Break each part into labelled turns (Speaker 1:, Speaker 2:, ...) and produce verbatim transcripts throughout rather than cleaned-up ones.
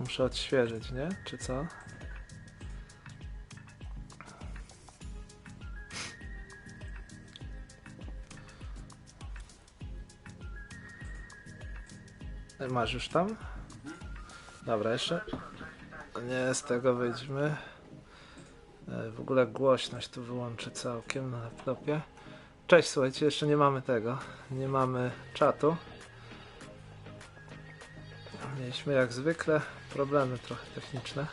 Speaker 1: Muszę odświeżyć, nie? Czy co? Masz już tam? Dobra, jeszcze. Nie, z tego wyjdźmy. W ogóle głośność tu wyłączę całkiem na laptopie. Cześć, słuchajcie, jeszcze nie mamy tego. Nie mamy czatu. Mieliśmy jak zwykle problemy trochę techniczne.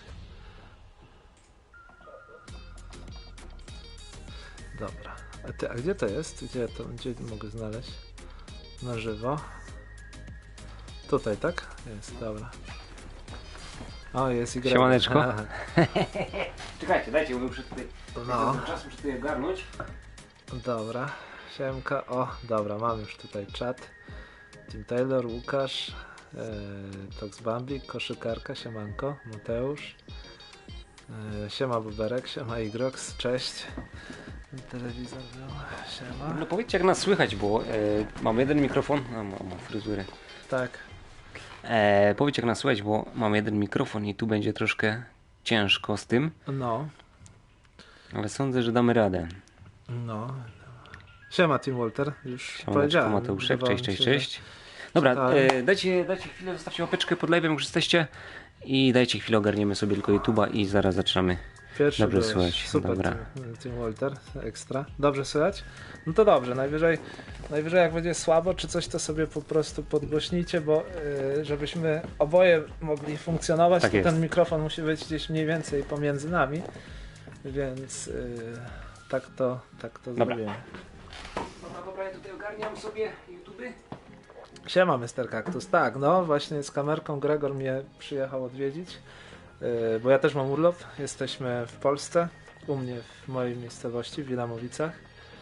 Speaker 1: Dobra. A, ty, a gdzie to jest? Gdzie to gdzie mogę znaleźć? Na żywo. Tutaj, tak? Jest, dobra. O, jest i gra.
Speaker 2: Siemaneczko. Czekajcie, dajcie, bo muszę tutaj...
Speaker 1: No.
Speaker 2: Czas muszę tutaj ogarnąć.
Speaker 1: Dobra. Siemka. O, dobra, mam już tutaj czat. Tim Taylor, Łukasz, e, Tox Bambi, Koszykarka, siemanko, Mateusz. E, siema Buberek, siema Igrox, cześć. Telewizor był, siema.
Speaker 2: No powiedzcie, jak nas słychać, bo e, mam jeden mikrofon, a mam, mam fryzurę.
Speaker 1: Tak.
Speaker 2: E, powiedzcie, jak nas słychać, bo mam jeden mikrofon i tu będzie troszkę ciężko z tym.
Speaker 1: No.
Speaker 2: Ale sądzę, że damy radę.
Speaker 1: No. Siema Tim Walter, już
Speaker 2: Siemaneczko,
Speaker 1: powiedziałem.
Speaker 2: Mateuszek, cześć, cześć,
Speaker 1: się,
Speaker 2: cześć. Dobra,
Speaker 1: czytałem.
Speaker 2: e, dajcie, dajcie chwilę, zostawcie łapeczkę pod live'em, już jesteście. I dajcie chwilę, ogarniemy sobie tylko YouTube'a i zaraz zaczynamy.
Speaker 1: Pierwszy
Speaker 2: Dobrze
Speaker 1: byłeś.
Speaker 2: słychać,
Speaker 1: Super,
Speaker 2: dobra.
Speaker 1: Tim, Tim Walter, ekstra. Dobrze słychać? No to dobrze, najwyżej, najwyżej jak będzie słabo czy coś, to sobie po prostu podgłośnijcie, bo yy, żebyśmy oboje mogli funkcjonować,
Speaker 2: Tak
Speaker 1: to
Speaker 2: jest.
Speaker 1: ten mikrofon musi być gdzieś mniej więcej pomiędzy nami, więc yy, tak to, tak to
Speaker 2: Dobra.
Speaker 1: zrobimy.
Speaker 2: Dobra, dobra, ja tutaj ogarniam sobie YouTube.
Speaker 1: Siema mister Kaktus, tak, no właśnie z kamerką Gregor mnie przyjechał odwiedzić, yy, bo ja też mam urlop, jesteśmy w Polsce, u mnie w mojej miejscowości w Wilamowicach.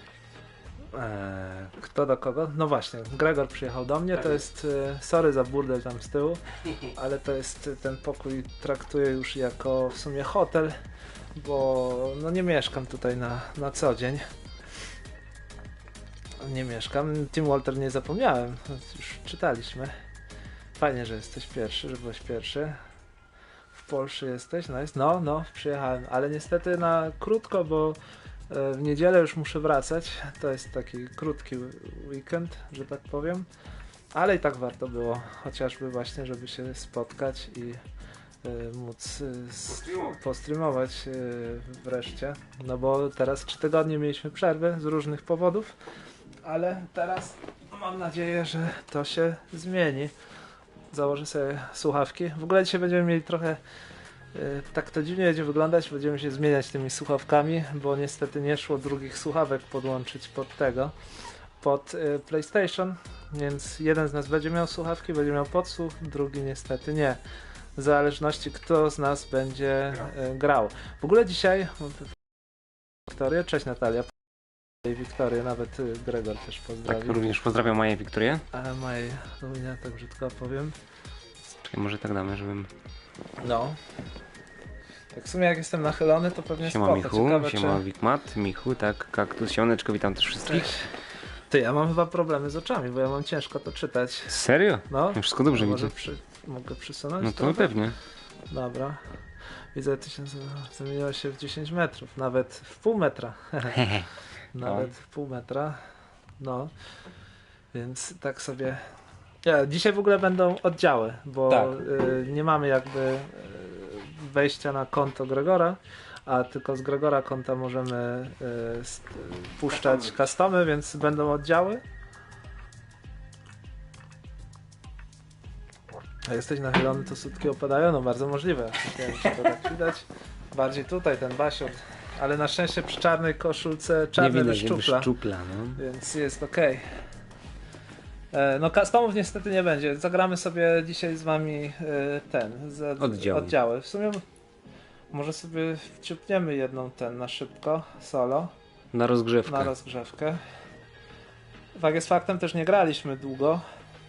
Speaker 1: Eee, kto do kogo? No właśnie, Gregor przyjechał do mnie, to jest, e, sorry za burdel tam z tyłu, ale to jest, ten pokój traktuję już jako w sumie hotel, bo no nie mieszkam tutaj na, na co dzień. Nie mieszkam. Tim Walter nie zapomniałem, już czytaliśmy. Fajnie, że jesteś pierwszy, że byłeś pierwszy. W Polsce jesteś, nice. No, no, przyjechałem, ale niestety na krótko, bo w niedzielę już muszę wracać. To jest taki krótki weekend, że tak powiem. Ale i tak warto było, chociażby właśnie, żeby się spotkać i y, móc y, s- postreamować y, wreszcie. No bo teraz trzy tygodnie mieliśmy przerwę z różnych powodów, ale teraz mam nadzieję, że to się zmieni. Założę sobie słuchawki. W ogóle dzisiaj będziemy mieli trochę tak to dziwnie będzie wyglądać, będziemy się zmieniać tymi słuchawkami, bo niestety nie szło drugich słuchawek podłączyć pod tego, pod y, PlayStation, więc jeden z nas będzie miał słuchawki, będzie miał podsłuch, drugi niestety nie. W zależności kto z nas będzie y, grał. W ogóle dzisiaj Wiktorię, cześć Natalia, i Wiktorię, nawet y, Gregor też pozdrowił.
Speaker 2: Tak, również pozdrawiam Maję Wiktorię.
Speaker 1: Ale Maj, no nie tak brzydko powiem.
Speaker 2: Czekaj, może tak damy, żebym...
Speaker 1: No. Tak w sumie jak jestem nachylony, to pewnie
Speaker 2: Siema
Speaker 1: spoko.
Speaker 2: Michu,
Speaker 1: Ciekawe,
Speaker 2: siema
Speaker 1: czy...
Speaker 2: Wikmat, Michu, tak, Kaktus, Siemaneczko, witam też wszystkich.
Speaker 1: Cześć. Ty, ja mam chyba problemy z oczami, bo ja mam ciężko to czytać.
Speaker 2: Serio?
Speaker 1: No,
Speaker 2: No wszystko dobrze
Speaker 1: no
Speaker 2: widzę.
Speaker 1: może przy... mogę przysunąć?
Speaker 2: No to
Speaker 1: trochę?
Speaker 2: pewnie.
Speaker 1: Dobra. Widzę, tysiąc zamieniło się w dziesięć metrów, nawet w pół metra. Nawet w pół metra. No. Więc tak sobie... Ja, dzisiaj w ogóle będą oddziały, bo
Speaker 2: Tak.
Speaker 1: y, nie mamy jakby y, wejścia na konto Gregora, a tylko z Gregora konta możemy y, st- puszczać customy, więc będą oddziały. A jesteś nachylony, to sutki opadają? No bardzo możliwe. Nie wiem, czy to tak widać. Bardziej tutaj ten basior. Ale na szczęście przy czarnej koszulce czarne
Speaker 2: Nie widać, jakby
Speaker 1: wyszczupla,
Speaker 2: szczupla, no.
Speaker 1: więc jest okej. E, No customów niestety nie będzie. Zagramy sobie dzisiaj z wami e, ten, z,
Speaker 2: Oddziały.
Speaker 1: oddziały. W sumie może sobie wciupniemy jedną ten na szybko, solo,
Speaker 2: Na rozgrzewkę.
Speaker 1: na rozgrzewkę. Fakt jest faktem, też nie graliśmy długo.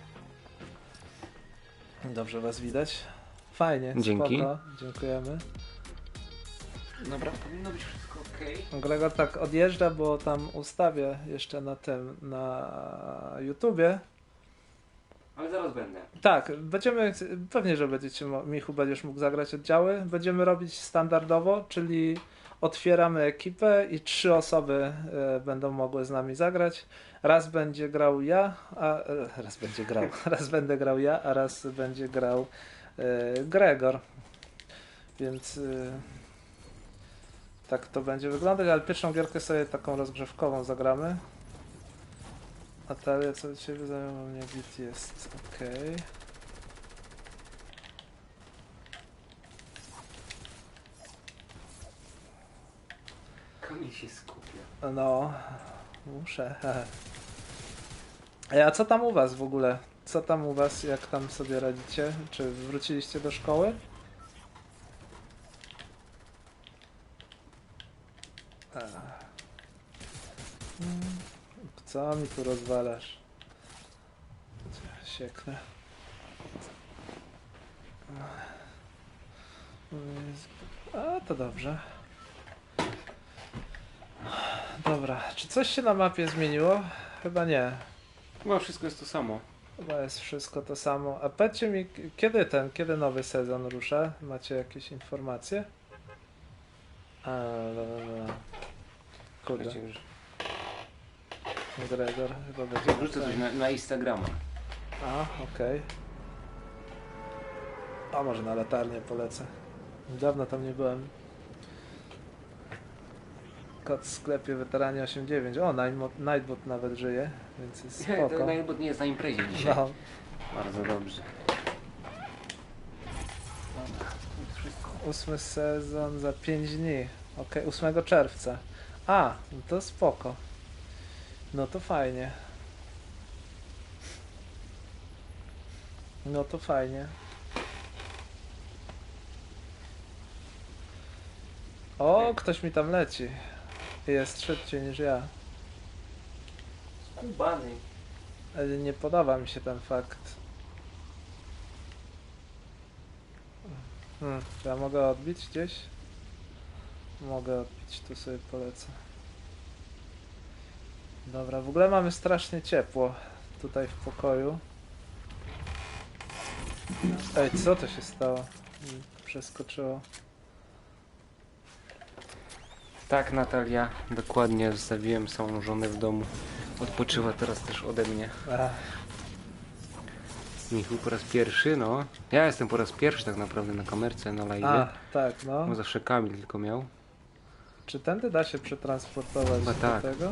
Speaker 1: Dobrze was widać. Fajnie,
Speaker 2: Dzięki.
Speaker 1: spoko. Dziękujemy.
Speaker 2: Dobra, powinno być wszystko ok.
Speaker 1: Gregor tak odjeżdża, bo tam ustawię jeszcze na tym, na YouTubie.
Speaker 2: Ale zaraz będę.
Speaker 1: Tak, będziemy, pewnie, że będziecie, mo- Michu, będziesz mógł zagrać oddziały. Będziemy robić standardowo, czyli otwieramy ekipę i trzy osoby e, będą mogły z nami zagrać. Raz będzie grał ja, a e, raz będzie grał, raz będę grał ja, a raz będzie grał e, Gregor. Więc e, tak to będzie wyglądać, ale pierwszą gierkę sobie taką rozgrzewkową zagramy. Natalia, co ciebie zajmowało mnie? Bit jest okej.
Speaker 2: Kamil się skupia.
Speaker 1: No, muszę. Ej, a co tam u was w ogóle? Co tam u was? Jak tam sobie radzicie? Czy wróciliście do szkoły? Ech. Mm, Co mi tu rozwalasz? Sieknę. A, to dobrze. Dobra, czy coś się na mapie zmieniło? Chyba nie.
Speaker 2: Chyba wszystko jest to samo.
Speaker 1: Chyba jest wszystko to samo. A powiedzcie mi, k- kiedy ten, kiedy nowy sezon rusza? Macie jakieś informacje? A, dobra, dobra. Kurde,
Speaker 2: Słuchajcie, już
Speaker 1: Gregor chyba będzie...
Speaker 2: wrzucę coś na, na Instagrama.
Speaker 1: A, okej. A może na latarnię polecę. Dawno tam nie byłem. Kod w sklepie Weteranie osiem dziewięć. O, Nightbot, Nightbot nawet żyje, więc jest
Speaker 2: Nie,
Speaker 1: spoko.
Speaker 2: to Nightbot nie jest na imprezie dzisiaj.
Speaker 1: No,
Speaker 2: Bardzo dobrze. Dobra, to jest wszystko.
Speaker 1: ósmy sezon za pięć dni. Okej, ósmego czerwca. A, no to spoko. No to fajnie. No to fajnie. O, ktoś mi tam leci. Jest szybciej niż ja.
Speaker 2: Skubany.
Speaker 1: Ale nie podoba mi się ten fakt. Hmm, czy ja mogę odbić gdzieś? Mogę odbić, tu sobie polecę. Dobra, w ogóle mamy strasznie ciepło tutaj w pokoju. Ej, co to się stało? Mi Przeskoczyło.
Speaker 2: Tak, Natalia, dokładnie zostawiłem samą żonę w domu. Odpoczywa teraz też ode mnie.
Speaker 1: Ach,
Speaker 2: Michu po raz pierwszy, no. Ja jestem po raz pierwszy tak naprawdę na kamerce, na live.
Speaker 1: a, tak, no.
Speaker 2: Bo zawsze Kamil tylko miał.
Speaker 1: Czy tędy da się przetransportować
Speaker 2: Chyba
Speaker 1: do
Speaker 2: tak.
Speaker 1: tego?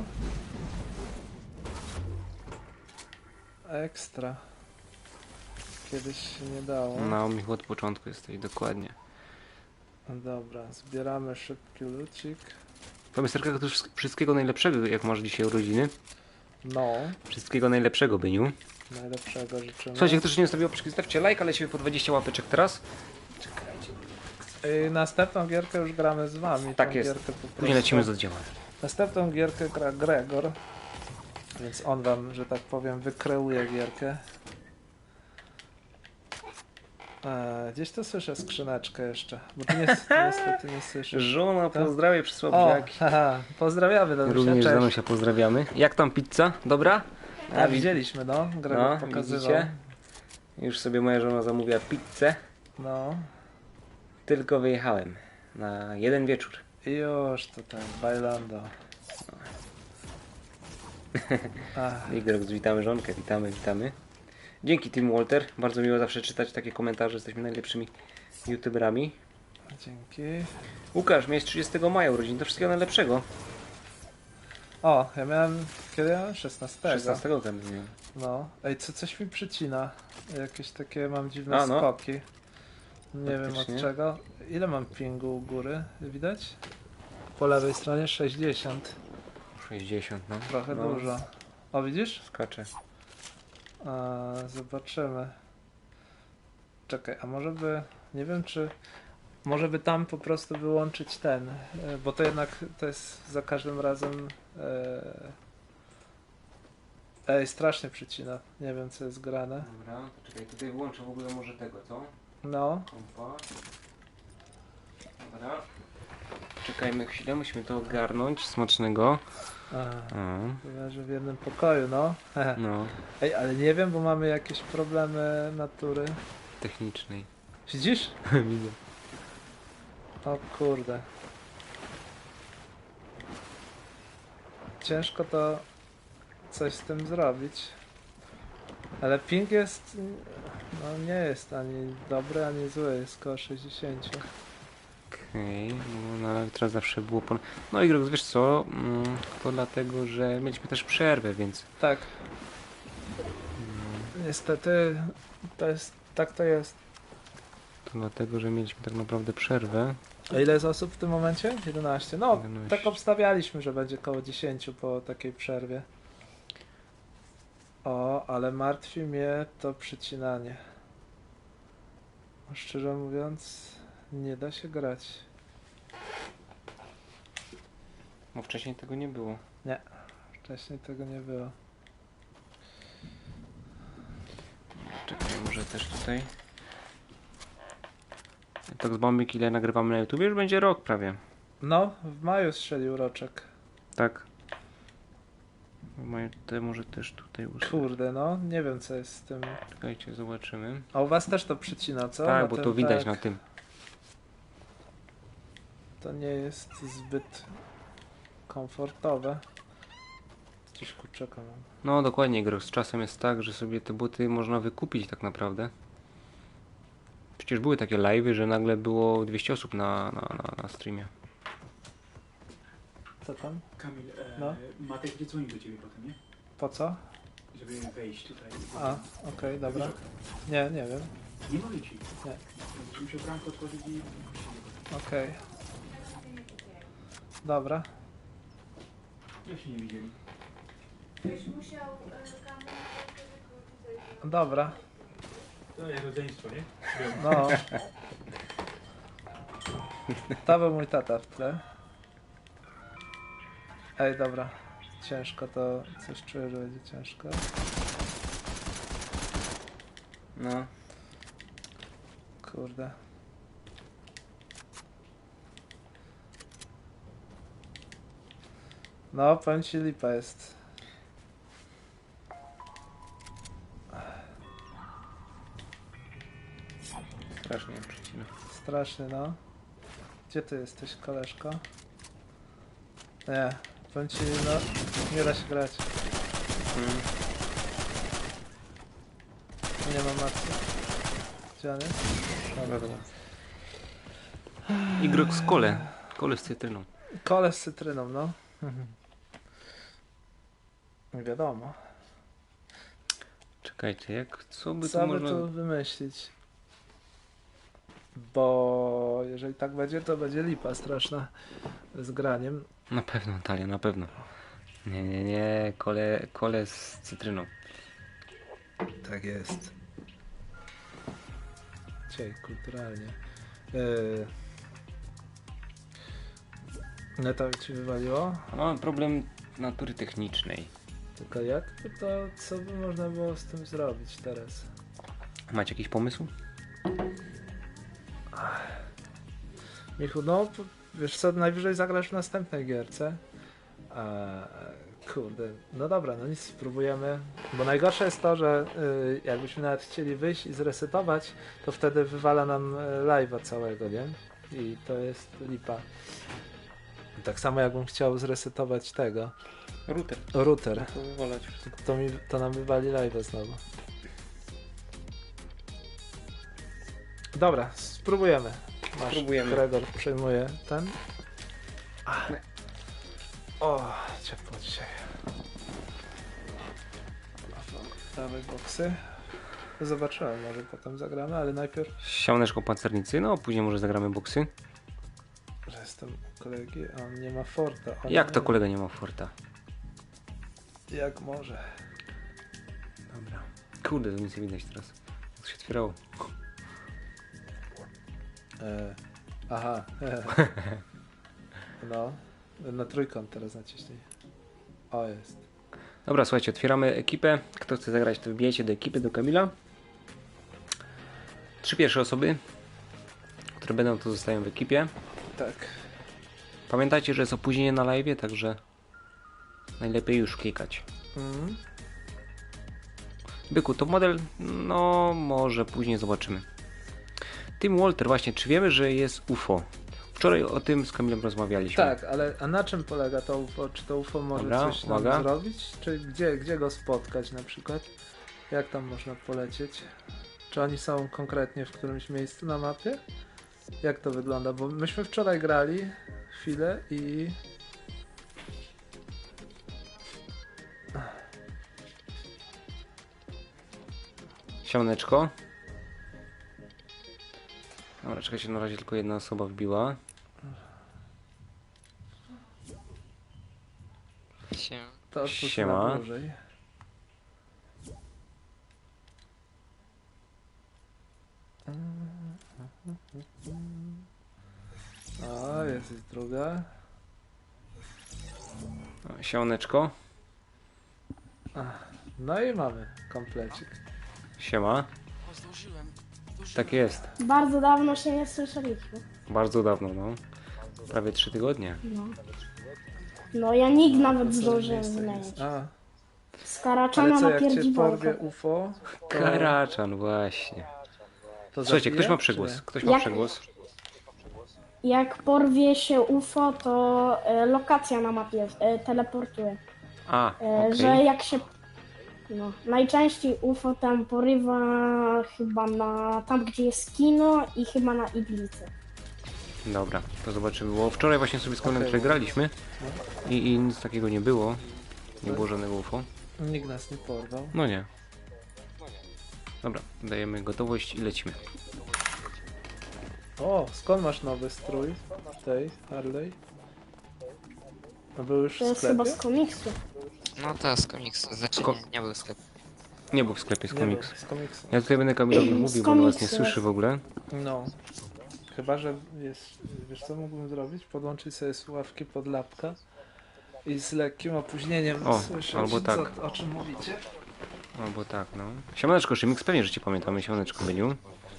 Speaker 1: Ekstra. Kiedyś się nie dało.
Speaker 2: No, Michu od początku jesteś, dokładnie.
Speaker 1: No dobra, zbieramy szybki lucik.
Speaker 2: Powiem Serka, to wszyst- wszystkiego najlepszego, jak masz dzisiaj urodziny.
Speaker 1: No,
Speaker 2: Wszystkiego najlepszego, Byniu.
Speaker 1: najlepszego życzymy.
Speaker 2: Słuchajcie, ktoś nie zostawił łapeczki, zostawcie like, ale lecimy po dwadzieścia łapeczek teraz. Czekajcie.
Speaker 1: I następną gierkę już gramy z wami.
Speaker 2: Tak
Speaker 1: tą
Speaker 2: jest.
Speaker 1: Gierkę po
Speaker 2: Później
Speaker 1: prostu.
Speaker 2: lecimy z oddziałem.
Speaker 1: Następną gierkę gra Gregor. Więc on wam, że tak powiem, wykreuje gierkę. E, gdzieś tu słyszę skrzyneczkę jeszcze. Bo ty nie, niestety nie słyszysz.
Speaker 2: Żona,
Speaker 1: Tak?
Speaker 2: pozdrawiam przysłał
Speaker 1: O,
Speaker 2: brzegi.
Speaker 1: haha, pozdrawiamy Danusia,
Speaker 2: Również
Speaker 1: cześć.
Speaker 2: Danusia pozdrawiamy. Jak tam pizza? Dobra?
Speaker 1: A,
Speaker 2: wi-
Speaker 1: widzieliśmy, no. Gregor
Speaker 2: No,
Speaker 1: pokazywał.
Speaker 2: widzicie? Już sobie moja żona zamówiła pizzę.
Speaker 1: No.
Speaker 2: Tylko wyjechałem na jeden wieczór.
Speaker 1: I już to ten, bailando. Ach,
Speaker 2: Igrox, witamy żonkę, witamy, witamy. Dzięki Tim Walter, bardzo miło zawsze czytać takie komentarze, jesteśmy najlepszymi youtuberami.
Speaker 1: dzięki.
Speaker 2: Łukasz, miałeś trzydziestego maja urodzin, to wszystkiego najlepszego.
Speaker 1: O, ja miałem, kiedy ja miałem? szesnastego.
Speaker 2: szesnastego tam miał.
Speaker 1: No. Ej, co, coś mi przycina. Jakieś takie mam dziwne
Speaker 2: A, no.
Speaker 1: skoki. Nie wiem
Speaker 2: Faktycznie.
Speaker 1: od czego. Ile mam pingu u góry? Widać? Po lewej stronie sześćdziesiąt.
Speaker 2: sześćdziesiąt, no.
Speaker 1: Trochę
Speaker 2: no,
Speaker 1: dużo. O, widzisz?
Speaker 2: Skacze.
Speaker 1: A, zobaczymy. Czekaj, a może by... Nie wiem, czy... Może by tam po prostu wyłączyć ten, e, bo to jednak to jest za każdym razem... E... Ej, strasznie przycina. Nie wiem, co jest grane.
Speaker 2: Dobra, to czekaj, tutaj wyłączę w ogóle może tego, co?
Speaker 1: No,
Speaker 2: Kompa. Dobra. Czekajmy chwilę, musimy to ogarnąć. Smacznego.
Speaker 1: A,
Speaker 2: O,
Speaker 1: chyba, że w jednym pokoju, no.
Speaker 2: no,
Speaker 1: Ej, ale nie wiem, bo mamy jakieś problemy natury.
Speaker 2: technicznej.
Speaker 1: Widzisz?
Speaker 2: Widzę.
Speaker 1: O kurde. Ciężko to coś z tym zrobić. Ale ping jest... No nie jest ani dobry, ani zły. Jest koło sześćdziesiąt.
Speaker 2: Okej, no ale teraz zawsze było pon... No i Grox, wiesz co? Mm, to dlatego, że mieliśmy też przerwę, więc...
Speaker 1: Tak. Niestety to jest... Tak to jest.
Speaker 2: To dlatego, że mieliśmy tak naprawdę przerwę.
Speaker 1: A ile jest osób w tym momencie? jedenaście. No,
Speaker 2: jedenaście.
Speaker 1: tak obstawialiśmy, że będzie koło dziesięć po takiej przerwie. O, ale martwi mnie to przycinanie. Szczerze mówiąc, nie da się grać.
Speaker 2: Bo wcześniej tego nie było.
Speaker 1: Wcześniej tego nie było.
Speaker 2: Czekaj, może też tutaj... Tak z bombik, ile nagrywamy na YouTube, już będzie rok prawie.
Speaker 1: No, w maju strzelił roczek.
Speaker 2: Tak. Moje te może też tutaj ustawię.
Speaker 1: Kurde, no, nie wiem co jest z tym.
Speaker 2: Czekajcie, zobaczymy.
Speaker 1: A u was też to przycina, co?
Speaker 2: Tak,
Speaker 1: Na
Speaker 2: bo
Speaker 1: tym,
Speaker 2: to widać
Speaker 1: tak.
Speaker 2: na tym.
Speaker 1: To nie jest zbyt komfortowe. Gdzieś kurczaka mam.
Speaker 2: No dokładnie, Grox. Czasem jest tak, że sobie te buty można wykupić tak naprawdę. Przecież były takie live'y, że nagle było dwieście osób na, na, na, na streamie.
Speaker 1: Co tam?
Speaker 3: Kamil, e,
Speaker 1: No.
Speaker 3: Matek będzie dzwonił do ciebie potem, nie?
Speaker 1: Po co?
Speaker 3: Żeby wejść tutaj.
Speaker 1: A, okej, dobra.
Speaker 3: Wiesz o tym?
Speaker 1: Nie, nie wiem.
Speaker 3: Nie mogę ci.
Speaker 1: Nie.
Speaker 3: Będziesz musiał bramkę otworzyć i puścić go.
Speaker 1: Okej. Dobra.
Speaker 3: Jak się nie widzieli?
Speaker 4: Byś musiał e, kamerę wykluczyć.
Speaker 1: Dobra.
Speaker 3: To jest rodzeństwo, nie?
Speaker 1: No. To był mój tata w tle. Ej, dobra. Ciężko to... Coś czuję, że będzie ciężko.
Speaker 2: No.
Speaker 1: Kurde. No, powiem ci, lipa jest.
Speaker 2: Strasznie przycina.
Speaker 1: Straszny, no. Gdzie ty jesteś, koleżko? Nie, powiem ci, no, nie da się grać.
Speaker 2: Mm.
Speaker 1: Nie ma matki. Gdzie on jest?
Speaker 2: Dobra, dobra. I Grox kole. Kole z cytryną.
Speaker 1: Kole z cytryną, no. Nie wiadomo.
Speaker 2: Czekajcie, jak co by
Speaker 1: Co
Speaker 2: tu
Speaker 1: by
Speaker 2: można...
Speaker 1: tu wymyślić? Bo jeżeli tak będzie, to będzie lipa straszna z graniem.
Speaker 2: Na pewno, Natalia, na pewno. Nie, nie, nie, kole, kole z cytryną.
Speaker 1: Tak jest. Dzisiaj kulturalnie. Yy... Neta ci wywaliło?
Speaker 2: No, problem natury technicznej.
Speaker 1: Tylko jak to, to co by można było z tym zrobić teraz?
Speaker 2: Macie jakiś pomysł?
Speaker 1: Michu, no p- wiesz co, najwyżej zagrasz w następnej gierce. A, kurde, no dobra, no nic, spróbujemy. Bo najgorsze jest to, że y, jakbyśmy nawet chcieli wyjść i zresetować, to wtedy wywala nam y, live'a całego, nie? I to jest lipa. Tak samo jakbym chciał zresetować tego,
Speaker 2: Router.
Speaker 1: router,
Speaker 2: To wywalać wszystko.
Speaker 1: to, mi, to nam wywali live'a znowu. Dobra, spróbujemy. Masz,
Speaker 2: Spróbujemy.
Speaker 1: Gregor przejmuje ten. Ach. O, ciepło dzisiaj. Dawaj boksy. Zobaczyłem, może potem zagramy, ale najpierw,
Speaker 2: Siałneczko pancernicy, no później może zagramy boksy.
Speaker 1: że jestem u kolegi, a on nie ma forta. On
Speaker 2: Jak
Speaker 1: nie
Speaker 2: to
Speaker 1: ma.
Speaker 2: kolega nie ma forta?
Speaker 1: Jak może.
Speaker 2: Dobra. Kurde, to nic nie widać teraz. Jak to się otwierało.
Speaker 1: E, aha. No, na trójkąt teraz naciśnij. O, jest.
Speaker 2: Dobra, słuchajcie, otwieramy ekipę. Kto chce zagrać, to wbijajcie do ekipy, do Kamila. Trzy pierwsze osoby, które będą, to zostają w ekipie.
Speaker 1: Tak.
Speaker 2: Pamiętajcie, że jest opóźnienie na live, także najlepiej już klikać.
Speaker 1: Mm.
Speaker 2: Byku, to model, no może później zobaczymy. Tim Walter, właśnie, czy wiemy, że jest U F O? Wczoraj o tym z Kamilem rozmawialiśmy.
Speaker 1: Tak, ale a na czym polega to U F O? Czy to U F O może
Speaker 2: Dobra,
Speaker 1: coś nam
Speaker 2: uwaga.
Speaker 1: zrobić? Czy gdzie, gdzie go spotkać na przykład? Jak tam można polecieć? Czy oni są konkretnie w którymś miejscu na mapie? Jak to wygląda? Bo myśmy wczoraj grali chwilę i...
Speaker 2: Siemneczko. Dobra, czekajcie, na razie tylko jedna osoba wbiła.
Speaker 5: Się.
Speaker 1: To odpuść
Speaker 2: Siema.
Speaker 1: na dłużej. O, jest i druga.
Speaker 2: O, Siemneczko.
Speaker 1: No i mamy komplecik.
Speaker 2: Siema.
Speaker 6: O, zdążyłem. zdążyłem.
Speaker 2: Tak jest.
Speaker 7: Bardzo dawno się nie słyszeliśmy.
Speaker 2: Bardzo dawno, no. Prawie trzy tygodnie.
Speaker 7: No. No ja nikt nawet zdążyłem zmienić.
Speaker 1: A,
Speaker 7: Z
Speaker 1: ale
Speaker 7: Karaczana
Speaker 1: co,
Speaker 7: na
Speaker 1: jak cię
Speaker 7: pierdzibolkę.
Speaker 1: porwie U F O, to,
Speaker 2: Karaczan, właśnie.
Speaker 1: to
Speaker 2: Słuchajcie, ktoś
Speaker 1: zabije,
Speaker 2: ma
Speaker 1: czy
Speaker 2: przegłos.
Speaker 1: nie?
Speaker 2: Ktoś ma
Speaker 7: Jak-
Speaker 2: przegłos.
Speaker 7: Jak porwie się U F O, to e, lokacja na mapie e, teleportuje.
Speaker 2: A,
Speaker 7: E,
Speaker 2: okej.
Speaker 7: Że jak się... No, najczęściej U F O tam porywa chyba na... tam gdzie jest kino i chyba na iglicy.
Speaker 2: Dobra, to zobaczymy. Bo wczoraj właśnie sobie z Kamilem
Speaker 1: Okej.
Speaker 2: przegraliśmy i, i nic takiego nie było. Nie było żadnego U F O.
Speaker 1: Nikt nas nie porwał.
Speaker 2: No nie. Dobra, dajemy gotowość i lecimy.
Speaker 1: O, skąd masz nowy strój tej Harley? No był już
Speaker 7: To
Speaker 1: w
Speaker 7: jest chyba
Speaker 1: sklepie?
Speaker 7: z komiksu.
Speaker 5: No to z komiksu. Znaczy
Speaker 2: Ko-
Speaker 5: nie, nie był sklep.
Speaker 2: Nie był w sklepie z
Speaker 1: Nie
Speaker 2: komiks.
Speaker 1: był, z komiksu.
Speaker 2: Ja tutaj będę Kamilowi mówił, bo on was nie
Speaker 7: komiksu
Speaker 2: słyszy
Speaker 7: jest.
Speaker 2: w ogóle.
Speaker 1: No. Chyba, że jest, wiesz co mógłbym zrobić? Podłączyć sobie słuchawki pod lapka i z lekkim opóźnieniem
Speaker 2: O,
Speaker 1: słyszeć,
Speaker 2: albo tak.
Speaker 1: co, o czym mówicie.
Speaker 2: Albo tak, no. Siemaneczko, Szymix, pewnie, że cię pamiętamy. Siemaneczko, Beniu.
Speaker 6: E,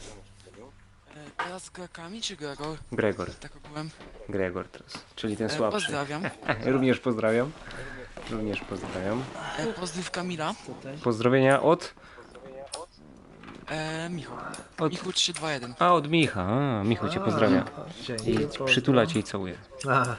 Speaker 6: teraz Grekami czy Gregor?
Speaker 2: Gregor.
Speaker 6: Tak ogółem.
Speaker 2: Gregor teraz. Czyli ten
Speaker 6: E,
Speaker 2: słabszy.
Speaker 6: pozdrawiam.
Speaker 2: Również pozdrawiam. Również pozdrawiam.
Speaker 6: E, pozdrów Kamila.
Speaker 1: Tutaj.
Speaker 2: Pozdrowienia od...
Speaker 6: E, Michał.
Speaker 2: od...
Speaker 6: Michał trzy dwa jeden.
Speaker 2: A, od Micha. A, Michał cię pozdrawia.
Speaker 1: A, dzięki,
Speaker 2: I
Speaker 1: pozdro.
Speaker 2: przytula cię i całuje.
Speaker 1: A,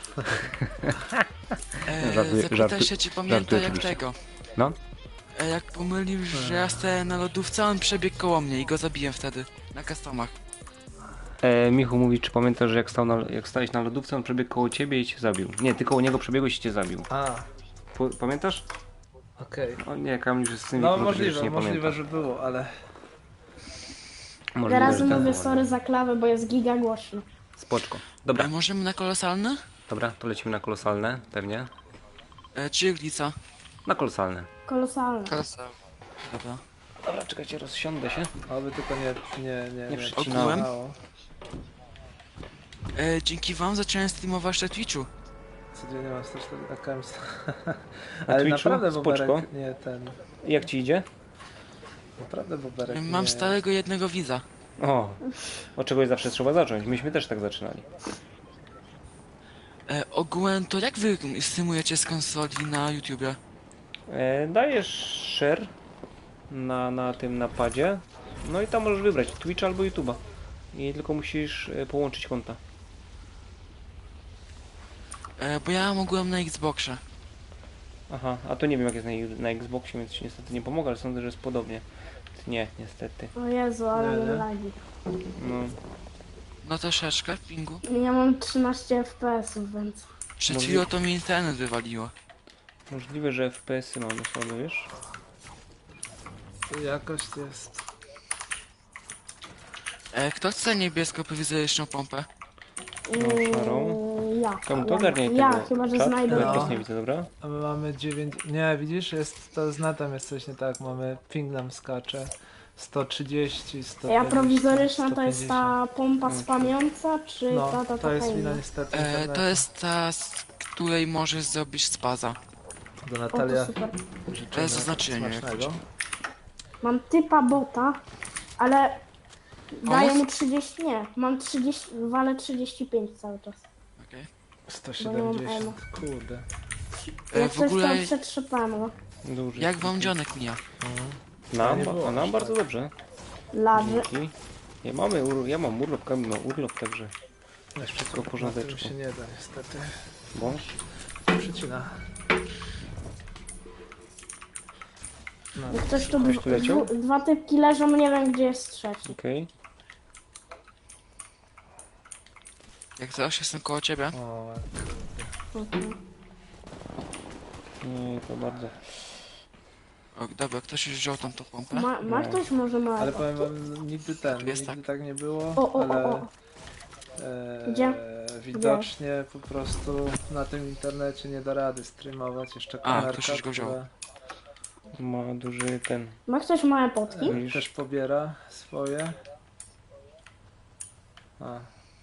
Speaker 6: E,
Speaker 2: Żartuję-
Speaker 6: zapytaj
Speaker 2: żartuję-
Speaker 6: się, czy pamięta
Speaker 2: żartuję
Speaker 6: jak
Speaker 2: oczywiście.
Speaker 6: tego.
Speaker 2: No.
Speaker 6: E, jak pomylił, że ja stałem na lodówce, on przebiegł koło mnie i go zabiłem wtedy. Na customach.
Speaker 2: E, Michu mówi, czy pamiętasz, że jak, stał na, jak stałeś na lodówce, on przebiegł koło ciebie i cię zabił. Nie, ty koło niego przebiegłeś i cię zabił.
Speaker 1: a
Speaker 2: Po, pamiętasz?
Speaker 1: okej.
Speaker 2: O nie, Kamil już z tym
Speaker 1: No
Speaker 2: wieku
Speaker 1: możliwe,
Speaker 2: już nie
Speaker 1: możliwe,
Speaker 2: pamięta.
Speaker 1: że było, ale
Speaker 2: Możliwe,
Speaker 7: Teraz
Speaker 2: że
Speaker 7: mówię
Speaker 2: tak.
Speaker 7: sorry za klawę, bo jest giga głośno.
Speaker 2: Spoczko.
Speaker 6: E,
Speaker 2: Dobra,
Speaker 6: możemy na kolosalne?
Speaker 2: dobra, to lecimy na kolosalne, pewnie.
Speaker 6: E, czy iglica?
Speaker 2: Na kolosalne.
Speaker 7: Kolosalne.
Speaker 5: Kosa.
Speaker 6: Dobra.
Speaker 2: Dobra, czekajcie, rozsiądę się.
Speaker 1: oby tylko nie, nie, nie,
Speaker 2: Nie
Speaker 1: nie
Speaker 2: przycinałem.
Speaker 1: przycinało.
Speaker 6: E, dzięki wam zacząłem streamować na Twitchu.
Speaker 1: Codziennie mam sto cztery accounts.
Speaker 2: Na
Speaker 1: Ale
Speaker 2: Twitchu?
Speaker 1: naprawdę
Speaker 2: Spoczko.
Speaker 1: Boberek nie ten.
Speaker 2: Jak ci idzie?
Speaker 1: Naprawdę Boberek
Speaker 6: E,
Speaker 1: nie...
Speaker 6: mam starego jednego widza.
Speaker 2: O, od czegoś zawsze trzeba zacząć. Myśmy też tak zaczynali.
Speaker 6: E, ogółem to jak wy streamujecie z konsoli na YouTubie?
Speaker 2: E, dajesz share na, na tym napadzie. No i tam możesz wybrać Twitch albo YouTube'a. I tylko musisz e, połączyć konta.
Speaker 6: E, bo ja mogłem na Xboxie.
Speaker 2: Aha, a to nie wiem jak jest na, na Xboxie, więc ci niestety nie pomogę, ale sądzę, że jest podobnie. Nie, niestety.
Speaker 7: O Jezu, ale
Speaker 1: Nie,
Speaker 7: mam
Speaker 1: nie.
Speaker 7: lagi.
Speaker 2: No,
Speaker 6: No troszeczkę w pingu.
Speaker 7: Ja mam trzynaście F P S-ów, więc...
Speaker 6: Przed
Speaker 2: Może-
Speaker 6: chwilą to mi internet wywaliło.
Speaker 2: możliwe, że F P S-y mamy słabe, wiesz?
Speaker 1: Jakość jest.
Speaker 6: E, kto chce niebiesko-prowizoryczną pompę?
Speaker 2: No, szarą.
Speaker 7: Yy, ja.
Speaker 2: Kam to
Speaker 7: ja,
Speaker 2: ogarniaj
Speaker 7: ja,
Speaker 2: tego
Speaker 7: chyba, że
Speaker 2: czat,
Speaker 7: znajdę.
Speaker 2: bo ja
Speaker 1: No.
Speaker 2: teraz nie widzę, dobra?
Speaker 1: A my mamy dziewięć. Nie, widzisz, jest to z netem jest coś nie tak. Mamy ping nam skacze. sto trzydzieści, sto dwadzieścia.
Speaker 7: Ja prowizoryczna to jest
Speaker 1: sto
Speaker 7: ta pompa spamiąca, czy
Speaker 1: No,
Speaker 7: ta, ta
Speaker 1: to jest
Speaker 7: taka
Speaker 1: wina
Speaker 7: inna?
Speaker 1: niestety.
Speaker 6: E,
Speaker 1: internetu.
Speaker 6: to jest ta, z której możesz zrobić spaza.
Speaker 1: Do
Speaker 7: O,
Speaker 1: Natalia
Speaker 7: to super.
Speaker 1: życzymy
Speaker 6: To jest zaznaczenie, jak
Speaker 1: smacznego.
Speaker 7: Mam typa bota, ale daję
Speaker 6: Pomóc?
Speaker 7: mu trzydzieści, nie, mam trzydzieści, walę trzydzieści pięć cały czas.
Speaker 6: Okej.
Speaker 1: sto
Speaker 7: Bo nie mam
Speaker 1: siedemdziesiąt, kurde.
Speaker 6: E,
Speaker 7: Jak
Speaker 6: w
Speaker 7: coś
Speaker 6: ogóle,
Speaker 7: to przetrzepamy, no.
Speaker 2: Duży.
Speaker 6: jak wam dzionek mija?
Speaker 2: Nam,
Speaker 1: nie było
Speaker 2: a nam
Speaker 1: aż
Speaker 2: bardzo
Speaker 1: tak.
Speaker 2: dobrze.
Speaker 7: Ladzy.
Speaker 2: Dzięki. Ja, mamy, ur- ja mam urlop, Kamil ma urlop, także
Speaker 1: Jeszcze
Speaker 2: wszystko w
Speaker 1: na
Speaker 2: porządeczku.
Speaker 1: tym się nie da niestety.
Speaker 2: bo
Speaker 1: Przycina. No,
Speaker 7: Jak ktoś tu
Speaker 2: Ktoś tu leciał?
Speaker 7: dwu- dwa typki leżą, nie wiem gdzie jest trzeci.
Speaker 2: okej.
Speaker 6: Jak zaraz jestem koło ciebie.
Speaker 1: o,
Speaker 7: Mhm.
Speaker 2: Nie, to bardzo.
Speaker 6: O, dobra, ktoś już wziął tam tą pompę.
Speaker 7: Ma, ma
Speaker 2: No.
Speaker 7: ktoś może ma.
Speaker 1: ale powiem wam, nigdy ten,
Speaker 6: Jest
Speaker 1: nigdy
Speaker 6: tak.
Speaker 1: tak nie było,
Speaker 7: O, o,
Speaker 1: ale
Speaker 7: o, o.
Speaker 1: e,
Speaker 7: Gdzie?
Speaker 1: widocznie po prostu na tym internecie nie da rady streamować, jeszcze
Speaker 6: A,
Speaker 1: kamerka,
Speaker 6: ktoś już go wziął.
Speaker 1: która
Speaker 2: Ma duży ten.
Speaker 7: Ma ktoś małe potki?
Speaker 1: e, też pobiera swoje. A,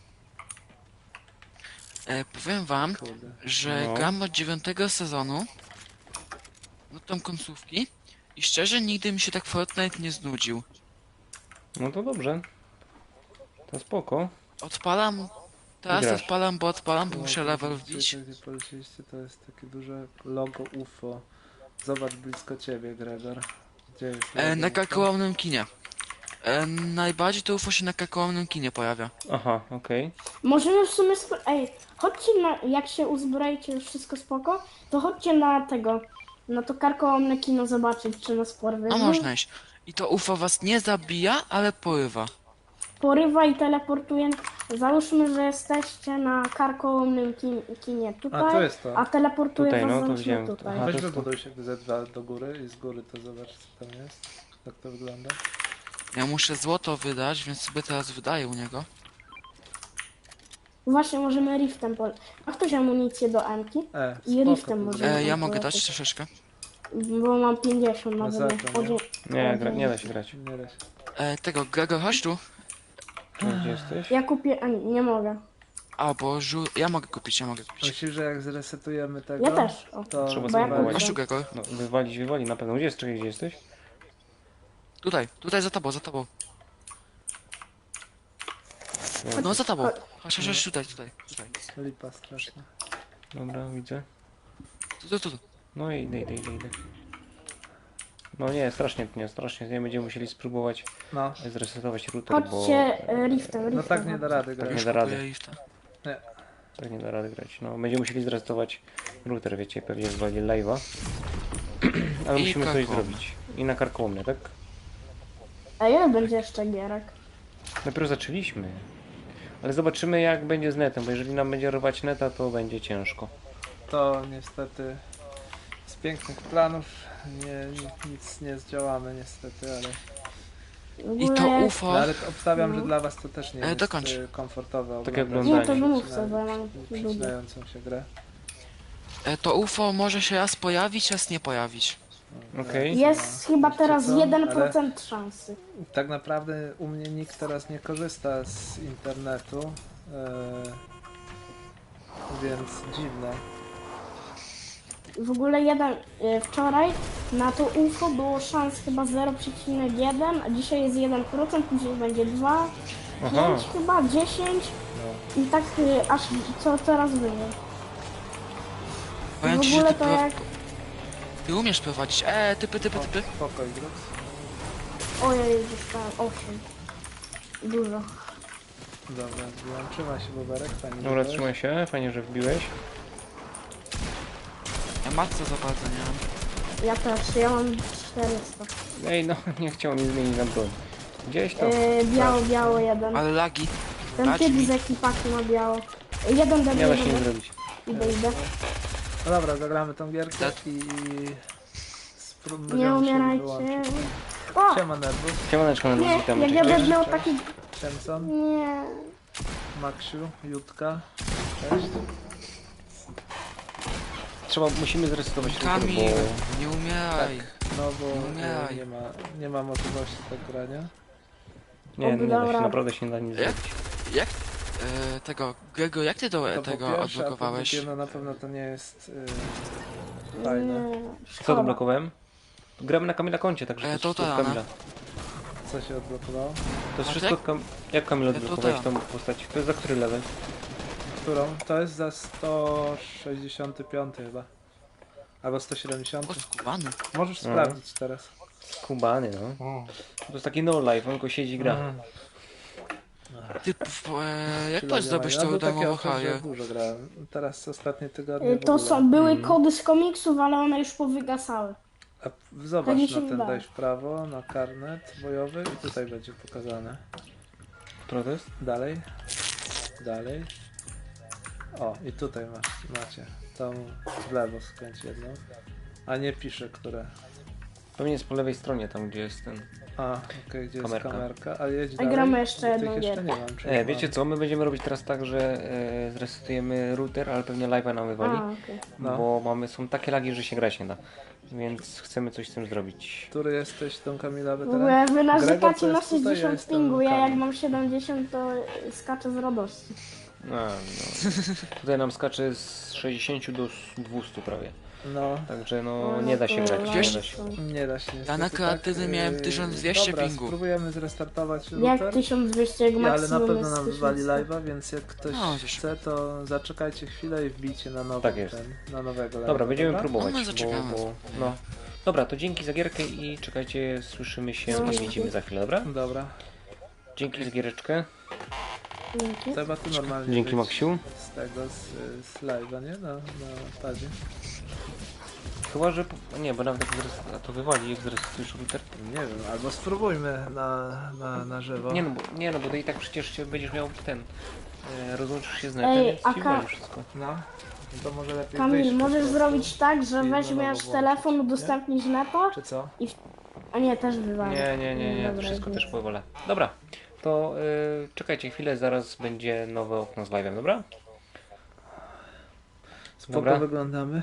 Speaker 6: E, powiem wam,
Speaker 1: kurde.
Speaker 6: że
Speaker 2: No.
Speaker 6: gram od dziewiątego sezonu. No tam końcówki. I szczerze nigdy mi się tak Fortnite nie znudził.
Speaker 2: No to dobrze. To spoko.
Speaker 6: Odpalam. Teraz
Speaker 2: Grasz.
Speaker 6: odpalam, bo odpalam, bo muszę
Speaker 1: No,
Speaker 6: level
Speaker 1: widzicie,
Speaker 6: wbić.
Speaker 1: Gdzie polecieliście, to jest takie duże logo U F O. Zobacz blisko ciebie, Gregor. Gdzie jest
Speaker 6: E,
Speaker 1: logo
Speaker 6: na
Speaker 1: U F O?
Speaker 6: kakaołowym kinie. E, najbardziej to U F O się na kakaołowym kinie pojawia.
Speaker 2: Aha, okej.
Speaker 7: Możemy w sumie. Sp- Ej, chodźcie na. Jak się uzbroicie, już wszystko spoko, to chodźcie na tego. Na to karkołomne kino zobaczyć, czy nas porwie.
Speaker 6: No można iść. I to U F O was nie zabija, ale porywa.
Speaker 7: Porywa i teleportuje. Załóżmy, że jesteście na karkołomnym kin- kinie tutaj,
Speaker 1: A, tu jest to.
Speaker 7: a teleportuje
Speaker 2: Tutaj,
Speaker 7: was
Speaker 2: no, to
Speaker 7: załóżmy
Speaker 2: widziałem.
Speaker 7: tutaj.
Speaker 2: Aha.
Speaker 1: Weź
Speaker 2: to jest to.
Speaker 1: wybuduj się Z dwa do góry i z góry to zobacz co tam jest. Jak to wygląda.
Speaker 6: Ja muszę złoto wydać, więc sobie teraz wydaję u niego.
Speaker 7: Właśnie możemy riftem pol. Ma ktoś amunicję do Emki?
Speaker 1: E,
Speaker 7: I
Speaker 1: spoko,
Speaker 7: riftem
Speaker 1: to
Speaker 7: możemy.
Speaker 6: E, ja
Speaker 7: tam
Speaker 6: mogę
Speaker 7: polecieć.
Speaker 6: dać troszeczkę.
Speaker 7: Bo mam pięćdziesiąt na
Speaker 1: Masakra,
Speaker 7: wydech.
Speaker 1: nie?
Speaker 2: Nie, gra, nie da się grać.
Speaker 1: Nie da się.
Speaker 6: E, tego, Gregor, chodź tu.
Speaker 2: Gdzie jesteś?
Speaker 7: Ja kupię. A, nie, nie mogę.
Speaker 6: A, bo żu... ja mogę kupić, ja mogę kupić.
Speaker 1: Myślisz, że jak zresetujemy tego,
Speaker 7: Ja też. O.
Speaker 1: to
Speaker 2: Trzeba
Speaker 7: Bo ja
Speaker 2: sobie
Speaker 6: Chodź tu,
Speaker 7: kupię.
Speaker 6: Gregor.
Speaker 2: No, wywalić, wywali na pewno. Gdzie jest? Czekaj, gdzie jesteś?
Speaker 6: Tutaj, tutaj za tobą, za tobą. No za tobą. Chodź, chodź, chodź, tutaj, tutaj, tutaj.
Speaker 1: lipa straszna.
Speaker 2: Dobra, widzę.
Speaker 6: Tu, tu, tu, tu.
Speaker 2: No i idę, idę, idę, idę. No nie, strasznie, nie, strasznie. Nie będziemy musieli spróbować
Speaker 1: No,
Speaker 2: zresetować router, bo
Speaker 7: Chodźcie e, riftem, riftem.
Speaker 1: no tak nie da rady
Speaker 2: Tak
Speaker 1: grać.
Speaker 2: nie da rady.
Speaker 6: Kupuję lifta.
Speaker 2: tak nie da rady grać. No, będziemy musieli zresetować router, wiecie, pewnie zwali live'a. Ale
Speaker 6: I
Speaker 2: musimy coś
Speaker 6: kakao.
Speaker 2: zrobić. I na karkołomne, tak?
Speaker 7: A ile będzie jeszcze gierek?
Speaker 2: Dopiero zaczęliśmy. Ale zobaczymy jak będzie z netem, bo jeżeli nam będzie rwać neta, to będzie ciężko.
Speaker 1: To niestety z pięknych planów nie, ni- nic nie zdziałamy niestety, ale,
Speaker 7: W
Speaker 6: I to
Speaker 7: ogóle-
Speaker 6: U F O.
Speaker 1: no, ale to obstawiam, że
Speaker 7: No.
Speaker 1: dla was to też nie
Speaker 6: E,
Speaker 1: jest
Speaker 6: dokończ.
Speaker 1: e, komfortowe
Speaker 2: Tak jak
Speaker 1: oglądać
Speaker 7: Nie, to
Speaker 2: oglądanie.
Speaker 7: wymów sobie, bo ja mam lubię.
Speaker 1: przydającą się grę.
Speaker 6: E, to U F O może się raz pojawić, raz nie pojawić.
Speaker 2: Okej.
Speaker 7: Jest chyba
Speaker 1: Wiecie
Speaker 7: teraz
Speaker 1: co?
Speaker 7: jeden
Speaker 1: Ale-
Speaker 7: procent szansy.
Speaker 1: Tak naprawdę u mnie nikt teraz nie korzysta z internetu, e, więc dziwne.
Speaker 7: W ogóle jeden e, wczoraj na to U F O było szans chyba zero przecinek jeden, a dzisiaj jest jeden procent, później będzie dwa,
Speaker 2: Aha.
Speaker 7: pięć chyba, dziesięć
Speaker 1: No.
Speaker 7: i tak e, aż co coraz wyżej.
Speaker 6: Powiem
Speaker 7: W
Speaker 6: ci, że
Speaker 7: ogóle
Speaker 6: ty,
Speaker 7: to
Speaker 6: pro...
Speaker 7: jak...
Speaker 6: ty umiesz prowadzić. E, typy, typy, typy.
Speaker 1: Spokoj, Grux.
Speaker 7: Ojej, dostałem osiem. Dużo.
Speaker 1: Dobra, zbiłam. Trzymaj się, Boberek, fajnie.
Speaker 2: Dobra,
Speaker 1: że
Speaker 2: trzymaj się, fajnie, że wbiłeś.
Speaker 6: Ja matce za bardzo nie mam.
Speaker 7: Ja też, ja mam czterysta.
Speaker 2: Ej, no, nie chciał mi zmienić na broń. Gdzieś to.
Speaker 7: E, biało, biało jeden.
Speaker 6: Ale lagi.
Speaker 7: Ten
Speaker 6: dać
Speaker 7: typ
Speaker 6: mi.
Speaker 7: z ekipaki ma biało. E, Jeden
Speaker 2: Nie
Speaker 7: debil,
Speaker 2: da się nic
Speaker 7: jeden.
Speaker 2: zrobić.
Speaker 7: Idę, idę.
Speaker 1: No dobra, zagramy tą gierkę
Speaker 6: Tak.
Speaker 1: i... spró-
Speaker 7: Nie
Speaker 1: będziemy musieli
Speaker 7: umierajcie.
Speaker 1: wyłączyć.
Speaker 7: O!
Speaker 1: Siema, Nervus,
Speaker 2: Siemaneczko,
Speaker 7: Nie,
Speaker 2: na witam.
Speaker 7: jak ja
Speaker 2: Cześć.
Speaker 7: będę miał taki...
Speaker 1: Siemson,
Speaker 7: Nie.
Speaker 1: Maksiu, Jutka. Cześć.
Speaker 2: Trzeba, musimy zresetować router,
Speaker 6: Kamil,
Speaker 2: bo...
Speaker 6: nie umieraj.
Speaker 1: No bo e,
Speaker 6: Umieraj.
Speaker 1: nie ma, nie ma możliwości tak grania.
Speaker 2: Nie, nie da się,
Speaker 7: Dobra.
Speaker 2: naprawdę się nie da nic
Speaker 6: Jak?
Speaker 2: zrobić.
Speaker 6: Jak? E, tego, Grego, jak ty do
Speaker 1: To
Speaker 6: tego
Speaker 1: po pierwsze, a po
Speaker 6: odblokowałeś?
Speaker 1: drugie, no na pewno to nie jest e, fajne.
Speaker 7: Nie.
Speaker 2: Co
Speaker 7: Szkoda.
Speaker 2: odblokowałem? Gramy na Kamila koncie, także
Speaker 6: E,
Speaker 2: to jest
Speaker 6: to
Speaker 2: wszystko od
Speaker 6: ta,
Speaker 2: Kamila.
Speaker 1: Co się odblokowało?
Speaker 2: To jest
Speaker 6: A
Speaker 2: wszystko
Speaker 6: tak?
Speaker 2: od Kam... Jak Kamil
Speaker 6: E, to
Speaker 2: odblokować
Speaker 6: ta.
Speaker 2: tą postać? To jest za który level?
Speaker 1: którą? To jest za sto sześćdziesiąty piąty chyba. Albo sto siedemdziesiąty.
Speaker 6: O, skubany.
Speaker 1: Możesz
Speaker 2: No.
Speaker 1: sprawdzić teraz.
Speaker 2: Skubany, no. To jest taki no life, on tylko siedzi i gra.
Speaker 1: Mhm.
Speaker 6: Ty, p- e, jak
Speaker 1: Chwila
Speaker 6: możesz
Speaker 1: nie
Speaker 6: zdobyć
Speaker 1: ma. Ja
Speaker 6: tą
Speaker 1: był taki
Speaker 6: darmową
Speaker 1: okres, że
Speaker 6: haję?
Speaker 1: dużo grałem. Teraz ostatnie tygodnie
Speaker 7: Y,
Speaker 1: w
Speaker 7: To
Speaker 1: ogóle.
Speaker 7: są, były
Speaker 2: Mhm.
Speaker 7: kody z komiksów, ale one już powygasały.
Speaker 1: A zobacz,
Speaker 7: mi się
Speaker 1: na ten
Speaker 7: wydaje.
Speaker 1: daj w prawo, na karnet bojowy i tutaj będzie pokazane.
Speaker 2: Które to jest?
Speaker 1: Dalej. Dalej. O, i tutaj masz, macie. Tą w lewo skręć jedną. A nie pisze, które.
Speaker 2: Pewnie jest po lewej stronie, tam gdzie jest ten...
Speaker 1: A, okej, gdzie
Speaker 2: Kamerka.
Speaker 1: jest kamerka, ale jedź
Speaker 7: A
Speaker 1: dalej.
Speaker 7: gramy jeszcze
Speaker 1: bo
Speaker 7: jedną
Speaker 1: tych jeszcze
Speaker 7: gierkę.
Speaker 1: nie mam. czy
Speaker 2: E,
Speaker 1: mam?
Speaker 2: wiecie co, my będziemy robić teraz tak, że e, zresetujemy router, ale pewnie live'a nam wywali.
Speaker 7: A, okej.
Speaker 1: No.
Speaker 2: Bo mamy, są takie lagi, że się grać nie da. Więc chcemy coś z tym zrobić.
Speaker 1: Który jesteś tą Kamila
Speaker 7: W
Speaker 1: weteran?
Speaker 7: ogóle wy
Speaker 1: Gregor
Speaker 7: narzekacie
Speaker 1: to
Speaker 7: na
Speaker 1: jest tutaj, ja
Speaker 7: sześćdziesiąt
Speaker 1: jestem
Speaker 7: pingu, ja jak
Speaker 1: Kamil.
Speaker 7: mam siedemdziesiąt to skaczę z radości.
Speaker 2: A, no. Tutaj nam skacze z sześćdziesięciu do dwiestu prawie.
Speaker 1: No,
Speaker 2: Także no
Speaker 7: No,
Speaker 2: nie da się
Speaker 7: to
Speaker 2: grać, nie
Speaker 6: Wiesz-
Speaker 2: da się.
Speaker 1: nie da się niestety,
Speaker 6: na kreatywnym miałem
Speaker 1: Yy,
Speaker 6: tysiąc dwieście
Speaker 1: dobra,
Speaker 6: pingu.
Speaker 1: spróbujemy zrestartować
Speaker 7: Jak
Speaker 1: router.
Speaker 7: tysiąc dwieście, jak
Speaker 1: Ja, ale na
Speaker 7: maksimum
Speaker 1: pewno
Speaker 7: jest
Speaker 1: nam wywali
Speaker 7: tysiąc sto.
Speaker 1: live'a, więc jak ktoś
Speaker 6: No, wiesz.
Speaker 1: chce, to zaczekajcie chwilę i wbijcie na nowy
Speaker 2: Tak jest.
Speaker 1: ten, na nowego live'a.
Speaker 2: Dobra, będziemy
Speaker 1: dobra?
Speaker 2: próbować,
Speaker 6: No, my
Speaker 2: bo,
Speaker 6: zaczekamy.
Speaker 2: bo no. Dobra, to dzięki za gierkę i czekajcie, słyszymy się
Speaker 7: No,
Speaker 2: i widzimy za chwilę, dobra?
Speaker 1: Dobra.
Speaker 2: Dzięki za giereczkę.
Speaker 7: Dzięki.
Speaker 1: Chyba tu normalnie
Speaker 2: Dzięki
Speaker 1: wyjść
Speaker 2: Maksiu.
Speaker 1: z tego, z, z live'a, nie? Na, na padzie.
Speaker 2: Chyba, że... po- Nie, bo nawet jak zres... a to wywali, jak zresetujesz router.
Speaker 1: Nie wiem, albo spróbujmy na, na, na żywo.
Speaker 2: Nie no, bo, nie no, bo to i tak przecież się będziesz miał ten... E, rozłączysz się z netem,
Speaker 7: Ej,
Speaker 2: więc
Speaker 7: a
Speaker 2: ci
Speaker 7: ka-
Speaker 2: wywali wszystko.
Speaker 1: No, to może lepiej
Speaker 7: Kamil,
Speaker 1: wyjść po
Speaker 7: możesz
Speaker 1: prostu.
Speaker 7: zrobić tak, że
Speaker 1: i na
Speaker 7: weźmiesz
Speaker 1: nowo
Speaker 7: telefon,
Speaker 1: włączyć,
Speaker 7: udostępnisz neta,
Speaker 1: Czy co?
Speaker 7: a nie, też wywali.
Speaker 2: Nie, nie, nie, nie,
Speaker 7: Dobra,
Speaker 2: wszystko
Speaker 7: jest.
Speaker 2: też powolę. Dobra, to y, czekajcie chwilę, zaraz będzie nowe okno z live'em, dobra?
Speaker 1: Spoko
Speaker 2: Dobra.
Speaker 1: wyglądamy.